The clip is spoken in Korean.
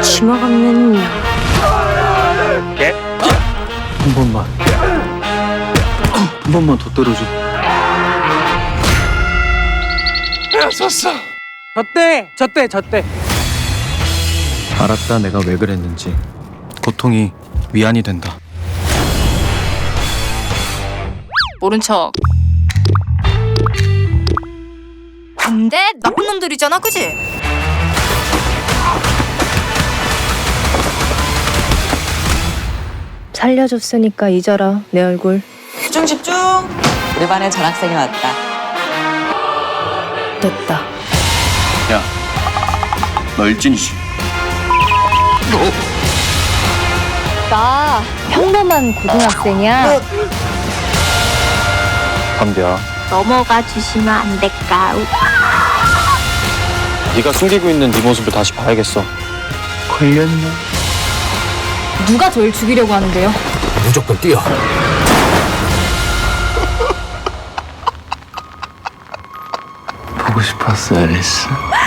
치마 없는 년. 한 번만 더 때려줘. 졌대. 알았다, 내가 왜 그랬는지. 고통이 위안이 된다. 모른 척. 근데 나쁜 놈들이잖아, 그지? 살려줬으니까 잊어라 내 얼굴. 집중. 우리 반에 전학생이 왔다. 됐다. 야, 너 일진이지? 나 평범한 고등학생이야. 담비야, 넘어가 주시면 안 될까? 네가 숨기고 있는 네 모습을 다시 봐야겠어. 걸렸네. 누가 저를 죽이려고 하는데요? 무조건 뛰어. 보고 싶었어, 앨리스.